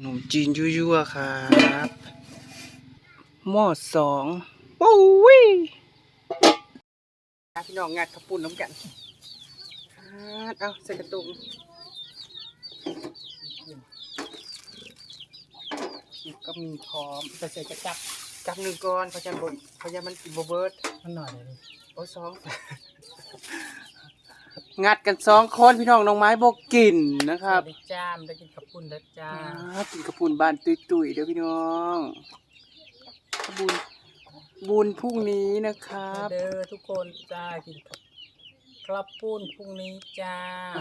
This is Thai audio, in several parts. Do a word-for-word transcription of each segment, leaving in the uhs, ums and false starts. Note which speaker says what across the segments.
Speaker 1: นมจีนยั่วๆครับหม้อสองโอ้ยพี่น้องงัดข้าวปุ้นน้ำกันเอาใส่กระตุงก็มีพร้อมใส่ใส่กระจับจับหนึ่งก้อนเขาจะบนเขาจะมันกินโบเบิร์ตมันหน่อยเลยโอ้สองงัดกันสองคนพี่น้องน้องไม้บอกกินนะครับ
Speaker 2: ได้จ้ามได้กินข้าวปุ้นได้จ้า
Speaker 1: กินข้าวปุ้นบ้านตุยๆเด้อพี่น้องบุญบุญพรุ่งนี้นะครับ
Speaker 2: เด้อทุกคนจ้ากินข้าวปุ้นพรุ่งนี้จ้า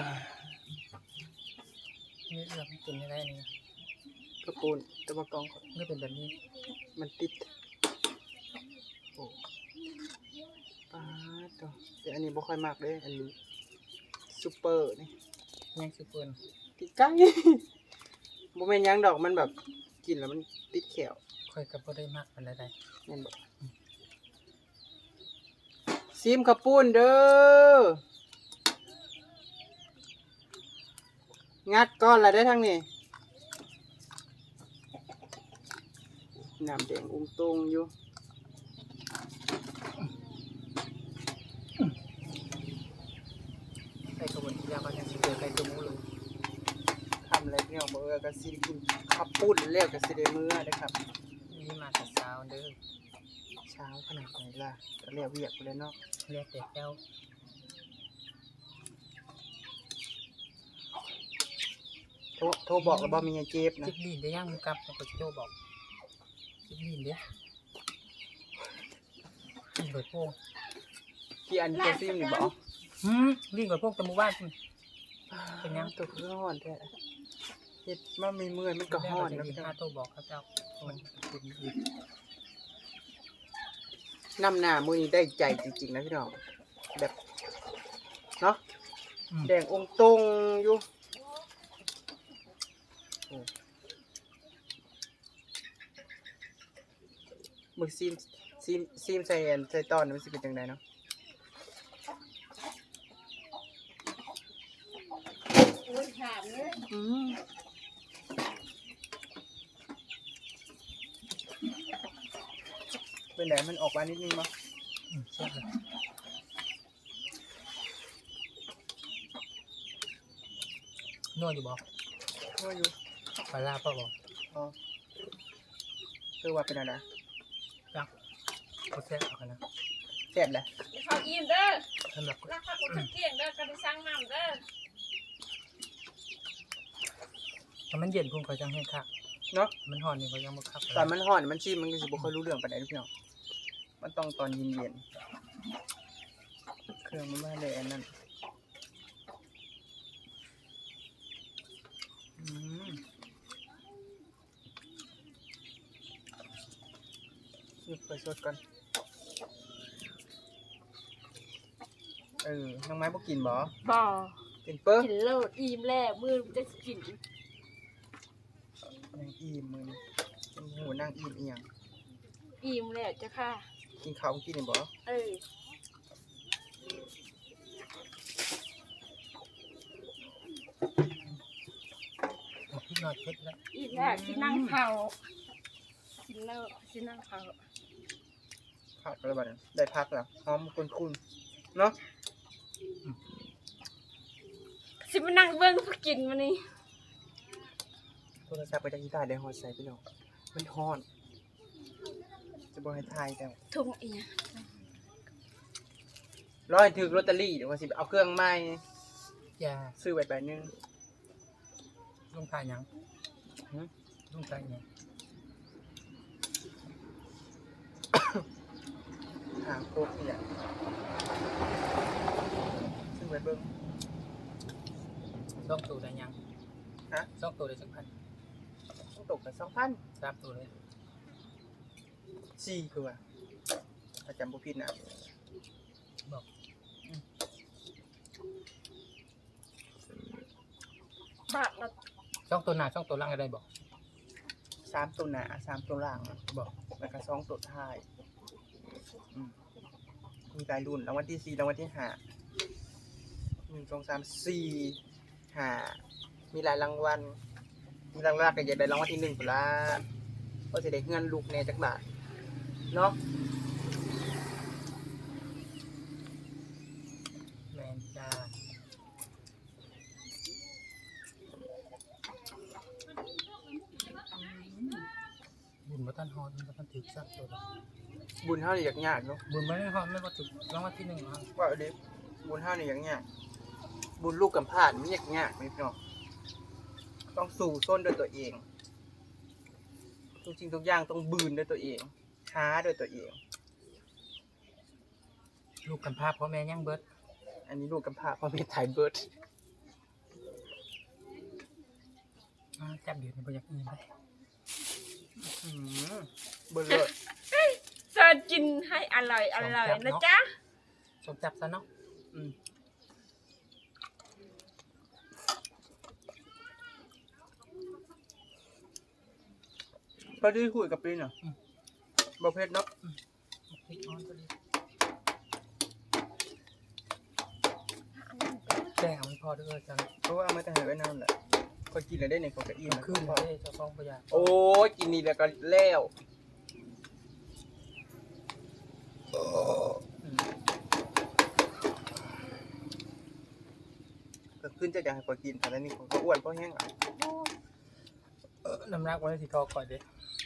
Speaker 2: นี่เรากินอะไรนี่
Speaker 1: ข้าวปุ้นตะบะกอง
Speaker 2: ไม่เป็นแบบนี้
Speaker 1: มันติดโอ้ปลาตัวแต่อันนี้บ่ค่อยมากเลยอันนี้ซุปเปอร์นี่
Speaker 2: ยังซุปเปอร์
Speaker 1: ติดไก่บ่แม่นยังดอกมันแบบกินแล้วมันติดแขว
Speaker 2: ค่อยกับบ่ได้มากเป็นอะไร
Speaker 1: แม่นบ่ซิมข้าวปุ้นเด้องัดก้อนละได้ทั้งนี้น้ำแดงอุ้งตรงอยู่
Speaker 2: ใส่กระบวนการก็ยังสิเจอใส่ตัวหมูเลย
Speaker 1: ทำอะไรพี่น้องบอกว่าก็สิกินข้าวปุ้นแล้วก็สิได้มื้อได้ครับ
Speaker 2: นี่มาแต่เช้าเด้อ
Speaker 1: เช้าขนาดไหนล่ะก็เรียกเวียกไปเลยเนาะ
Speaker 2: เรียกแต่เจ้า
Speaker 1: โทรโทรบอกแล้วบ่มีเงินเจ็บนะ
Speaker 2: จิบลีนได้ยังกับก็สิโทรบอกจิบลีนเด้อกินเบิดโป่ง
Speaker 1: ที่อันตัวซิมนี่บ่
Speaker 2: หืมลีนเบิดโป่งแต่หมู่บ้านเป็นยัง
Speaker 1: ตัวคือฮ้อนแท้เฮ็ดมามีเมื่อยมันก็ฮ้อนนะพี่น้อง
Speaker 2: โทรบอกเขาเจ้ามัน
Speaker 1: น้ำหน้ามื้อนี้ได้ใจจริงๆนะพี่น้องแบบเนาะแดงองค์ตรงอยู่มึกซีมซีมซีมใส่ใส่ตอนมันสิเป็นจังไดเนาะอืมเป็นไหนมันออกมานิดนึงมั้ย
Speaker 2: อืมใช่เลยนวดอยู่บ่
Speaker 1: นวดอยู่
Speaker 2: ปลาลาป่ะบ่
Speaker 1: อ๋อคือว่าเป็นอะไร
Speaker 2: จักเขาแซ่บเอากันนะ
Speaker 1: แซ่บแหละ
Speaker 3: เขาอิ่มเด้อ
Speaker 2: สำหรับ
Speaker 3: รักข้าวกุ้งเกี่ยงเด้อกันไปสั่งน้ำเด้อ
Speaker 2: ถ้ามันเย็นพุ่งเขาจังให้คัก
Speaker 1: เนาะ
Speaker 2: มันห่อนนี่เขายังบ่คัก
Speaker 1: ตอนมันห่อนมันชิมมันก็สิบ่ค่อยรู้เรื่องปานใดพี่น้องมันต้องตอนเย็นๆเครื่องมันมาเลยอันนั้นอืมหยิบไปสดก่อนเออน้องไม้บ่กินบ่
Speaker 3: บ่
Speaker 1: กินเปิ้ล
Speaker 3: กินเลิศอิ่มแล้วมื้อจะกิน
Speaker 1: นางอิ่มมื้อนี้โอ้โหนางอิ่มอีหยัง
Speaker 3: อิ่มแล้วจ้ะค่ะ
Speaker 1: กินข้าวกินนี่บ่
Speaker 3: เออ
Speaker 2: พี่นอดเพชรแล้ว
Speaker 3: อิ่มแล้วสินั่งเผากินแล้วสินั่งเผา
Speaker 1: ผักอะไรบ้างได้พักแล้วหอมคุ้นๆเนาะ
Speaker 3: สิมานั่งเบิ่งผู้กินมื้อนี้
Speaker 1: โทรศัพท์ไปจากที่ใต้ได้ฮอดใส่พี่น้องมันฮ้อนจะบ่ให้ทายแต่
Speaker 3: ทุ่งอีหยัง
Speaker 1: รอให้ถึกลอตเตอรี่เดี๋ยวว่าสิเอาเครื่องใหม่
Speaker 2: อย่า
Speaker 1: ซื้อไว้ใบนึง
Speaker 2: ลงทายหยังหึลงทายหยัง
Speaker 1: หาโคกนี่แหละซื้อไว้เบิ่ง
Speaker 2: สองตัวได้ยัง
Speaker 1: ฮะ
Speaker 2: สองตัวได้สักพัน
Speaker 1: ต้องตกกัน สองพัน
Speaker 2: สามตัวเลย
Speaker 1: สี่คือว่าถ้าจำบ่ผิดนะ
Speaker 2: บอก
Speaker 3: บาทละ
Speaker 2: สองตัวหน้าสองตัวหลังอะไรบอก
Speaker 1: สามตัวหน้าสามตัวหลัง
Speaker 2: บอก
Speaker 1: แล้วก็สองตัวท้ายอืมมีหลายรุ่นรางวัลที่สี่รางวัลที่ห้าหนึ่ง สอง สาม สี่ ห้ามีหลายรางวัลหลักๆก็อยากได้รางวัลที่หนึ่งพุ่นล่ะก็สิได้เงินลูกแหน่จักบาทเนาะ
Speaker 2: แมนจ้าบุญมาตันฮอนมาตันถือสักตัว
Speaker 1: บุญเฮานี่ยากๆเนาะ
Speaker 2: บุญไม่ได้ฮอนไม่ว่าถึงรางวัลที่หนึ่งฮะ
Speaker 1: ว่าเอาดิบุญเฮานี่ยากๆบุญลูกกำพร้านี่มันยากๆพี่น้องต้องสู่ส้นด้วยตัวเองทุกสิ่งทุกอย่างต้องบืนด้วยตัวเองหาด้วยตัวเอง
Speaker 2: ลูกกำพร้าพ่อแม่ยังเบิด
Speaker 1: อันนี้ลูกกำพร้าพ่อแม่ไทยเบิร์ด
Speaker 2: อ่าจับเดี๋ยวนี้บ่อยากอื่นไป
Speaker 1: อืมเบิร์ดเลย
Speaker 3: เสิร์ชกินให้อร่อยอร่อยนะจ๊ะ
Speaker 2: สมจับซะเนาะ
Speaker 1: อืมพอดีคุยกับปีนเหรอบ่เพชรเนาะ
Speaker 2: พริกอ่อนก็ดีแจ้งเอามันพอเด้อจัง
Speaker 1: เพราะว่าเอามาแต่หาไว้นานแหละก็กินแล้วได้ในของกระอิ่ม
Speaker 2: ขึ้น
Speaker 1: พอ
Speaker 2: เลยเจ้าของประหยัด
Speaker 1: โอ้ยกินนี่แล้วก็แล้วก็ขึ้นจะอยากให้พอกินแต่แล้วนี่ของก็อ้วนเพราะแห้งอ่ะ
Speaker 2: เออน้ำหนักวันที่ทอก่อนเด้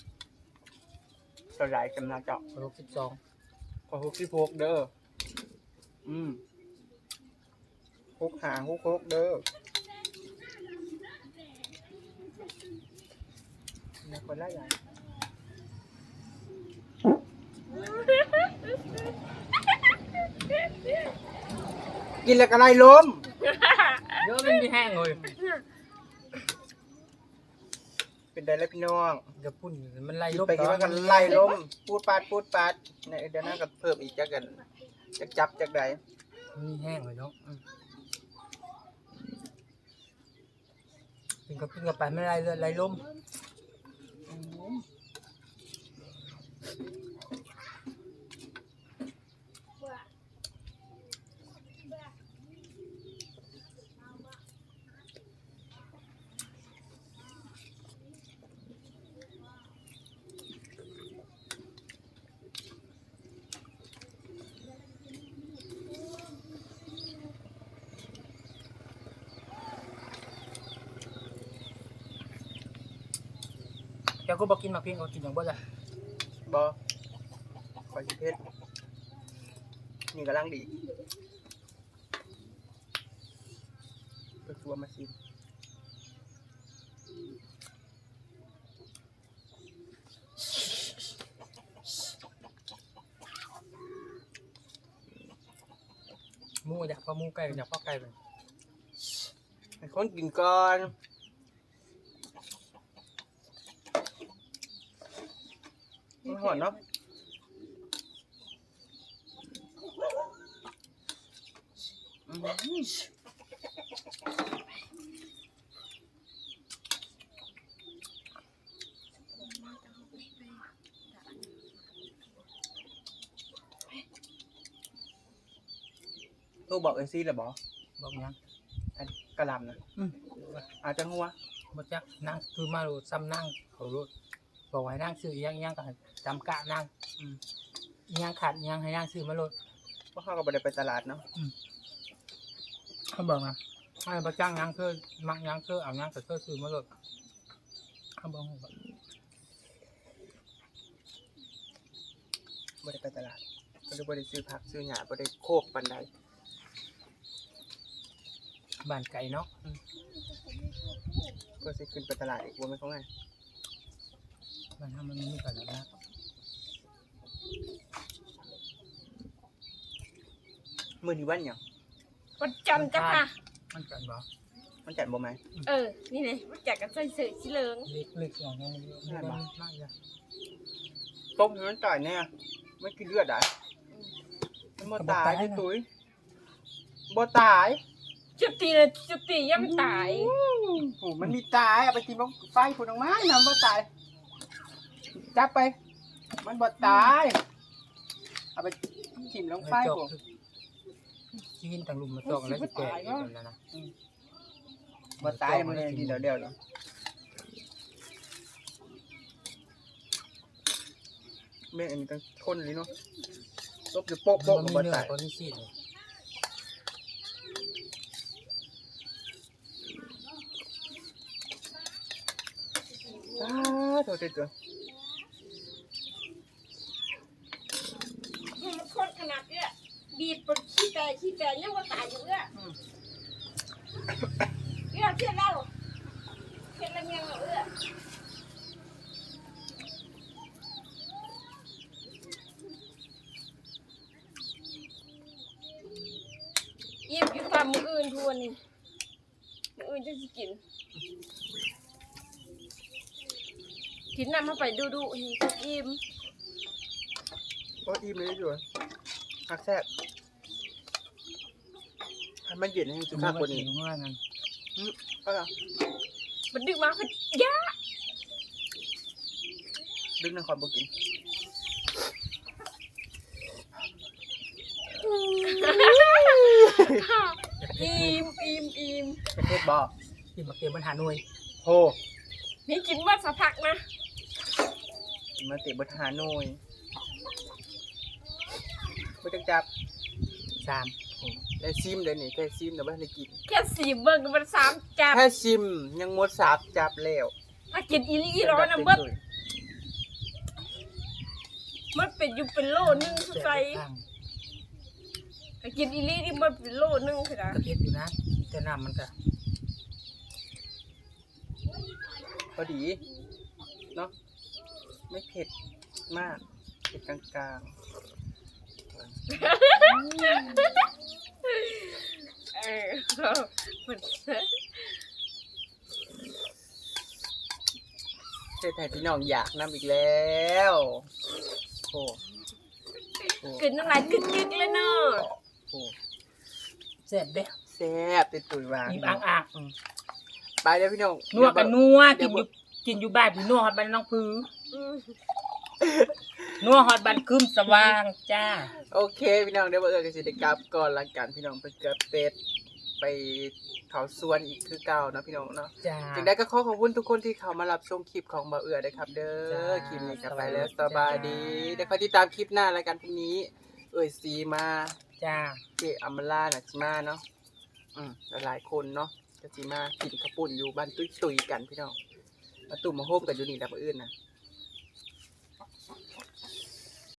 Speaker 1: สลายกำลังเจาะ
Speaker 2: หกสิบสอง
Speaker 1: ขอฮุกที่พกเด้ออืมฮุกหาฮุกฮกเด้อนี่คนละอย่างกินแล้วก็ไล่ล้ม
Speaker 2: เยอะเป็นพี่แห้งเลย
Speaker 1: เป็นได้แล้วพี่น้อง
Speaker 2: เดี๋ยวพุ่นมันไล่
Speaker 1: กิน
Speaker 2: ลบ
Speaker 1: ไปกินมากันไล่ล้มพูดปาดพูดปาดในเดือนหน้าก็เพิ่มอีกจักกันจักจับจักใด
Speaker 2: มีแห้งเลยเนาะกินกับกินกับไปไม่ไล่เลยไล่ลม เจ้าก็บอกกินมาเพียงก็กินอย่างบ่จ้ะ
Speaker 1: บอคอยสิเพชรนี่กำลังดีก็ชัวมาซิม
Speaker 2: หมูอยากพอหมูไก่อยากพอไก่เลย
Speaker 1: ให้คนกินก่อนมันหอนเนาะอืมตู้บอกเอ็นซี่เลยบอ
Speaker 2: บอกยัง
Speaker 1: อันกระหลำนะ
Speaker 2: อืม
Speaker 1: อาจจะหัว
Speaker 2: บ่จักนั่งคือมาดูซ้ำนั่งเขารู้บอกให้นั่งซื้ออีหยังอีหยังก็ให้จำกะนั่ง
Speaker 1: อืม
Speaker 2: อีหยังขาดอีหยังให้นั่งซื้อมาโลด
Speaker 1: เพราะเขาก็ไม่ได้ไปตลาดเนาะ
Speaker 2: เขาบอกนะให้ประจ้างยังคือมักยังคือเอายังก็คือซื้อมาโลดเขาบอกว่า
Speaker 1: ไม่ได้ไปตลาดก็เลยไม่ได้ซื้อผักซื้อหญ้าไม่ได้โคกปันใด
Speaker 2: บ้านไก่เนาะ
Speaker 1: ก็จะขึ้นไปตลาดอีกวันไม่เขาไง
Speaker 2: บ้านทำมันมีกันแล้วนะ
Speaker 1: มือที่วันเนี่ยง
Speaker 3: วันจันทร์จ้ะค่ะ
Speaker 2: มันกันบ่
Speaker 1: มันจัดบ่ไหม
Speaker 3: เออ นี่เลยวันจันทร์กันใส่เสื้อสีเหลือง
Speaker 2: เล็กเล็กอย่างนี้มันเยอะมันมากเลย
Speaker 1: ต้มให้มันจ่ายเนี่ยไม่กินเลือดอ่ะมันบ่ตายที่ตุ้ยบ่ตาย
Speaker 3: จุดตีเลยจุดตีย่ำตาย
Speaker 1: โอ้มันมีตายเอาไปกินบ้งไฟผุนออกมาน้ำบ่ตายจับไป มันบ่ตายเอาไปกินลงไฟผม
Speaker 2: กินต่างลุมมาจอกแล้วจะแก่อีกแล้วนะ
Speaker 1: บ่ตายมันเลยทีเดียวเดียวเลยแม่งอันนี้ต้องทนเลยเนาะลบอยู่โป๊ะโป๊ะ
Speaker 2: มั
Speaker 1: กับ
Speaker 2: น
Speaker 1: บ่
Speaker 2: มีเนื้อ
Speaker 1: ตาย
Speaker 2: ตัวนี้ซีดเลย
Speaker 1: อ้าโทษเจ้า
Speaker 3: มันโคตรขนาดเนี้ยบีบปนขี้แต่ขี้แต่ยังว่าตายอยู่เอ้อเอ้อเชื่อเราเชื่อเรายังเอ้อเย็บอยู่ตามมืออื่นทวนนี่มืออื่นจะสิกินกินน้ำเข้าไปดูดูๆนี่อิ่ม
Speaker 1: โอ้อิ่มเลยอยู่คักแซ่บให้มันเย็นให้จุกคักกว่านี้
Speaker 2: เมื่อนั้น
Speaker 1: เอาล่ะ
Speaker 3: มันดึกมาคือยะ
Speaker 1: ดึงนครบ่กิน
Speaker 3: อิ่มอิ่มอิ่ม
Speaker 1: ประเทศบ่
Speaker 2: ที่มาเก็บปัญหาหน่วย
Speaker 1: โห
Speaker 3: นี่กินมาสักพักนะ
Speaker 1: มาเตะบทหาหน่อยบ่จังจับ
Speaker 2: สาม
Speaker 1: ได้ซิมเดี๋ยวนี้แค่ซิมเดี๋ยวบ่ทันได้กิน
Speaker 3: แค่สี่เบิร์มันสามจับ
Speaker 1: แค่ซิมยังหมดสามจับแล้ว
Speaker 3: ถ้ากินอีหลีอีร้อนนะเบิร์มันเป็นอยู่เป็นโลนึงเข้าใจ
Speaker 2: ข้าง
Speaker 3: ถ้ากินอีหลีนี่มันเป็นโลนึงคือนะ
Speaker 2: กระเทียมอยู่นะแต่น้ำมันก็
Speaker 1: พอดีเนาะไม่เผ็ดมากเผ็ดกลาง
Speaker 3: เออมัน
Speaker 1: ๆเทศไทยพี่น้องอยากน้ำอีกแล้วโอ้โห
Speaker 3: กินน้ำลายกึกๆเลยเนาะ
Speaker 1: โอ้
Speaker 2: แซ่บเด้
Speaker 1: แซ่บติดตุยวาง
Speaker 2: อิ่มอ่างอ่าง
Speaker 1: ไปเด้อพี่น้อง
Speaker 2: นัวกันนัว
Speaker 1: เดี๋
Speaker 2: กิ
Speaker 1: ย
Speaker 2: นอยู่กินอยู่บ้านพี่นัวฮอดบ้านน้องพื้
Speaker 3: อืม
Speaker 2: นัวฮอดบ้านคืมสว่างจ้า
Speaker 1: โอเคพี่น้องเดี๋ยวมาเอื้อกันสิได้กลับก่อนละกันพี่น้องไปเกิดเป็ดไปเขาสวนอีกคือเก่าเนาะพี่น้องเนาะ
Speaker 2: จ้า
Speaker 1: จึงได้ก็ขอขอบคุณทุกคนที่เข้ามารับชมคลิปของบ่าวเอื้อด้วยครับ เด้
Speaker 2: จ้า
Speaker 1: อคลิปนี้กลับไปแล้ว
Speaker 2: ส
Speaker 1: ส
Speaker 2: บาย
Speaker 1: บาย
Speaker 2: ดี
Speaker 1: ดีเดี๋ยวคอยติดตามคลิปหน้ารายการพรุ่งนี้ เอ่ยซีมา
Speaker 2: จ้า
Speaker 1: เจอัมมาล่าน่ะสิมาเนาะอืมหลายๆคนเนาะจะสิมากินข้าวปุ้นอยู่บ้านตุ้ยๆกันพี่น้องมาตุ่มมาโฮมกันอยู่นี่แหละบ่าวอื่นน่ะ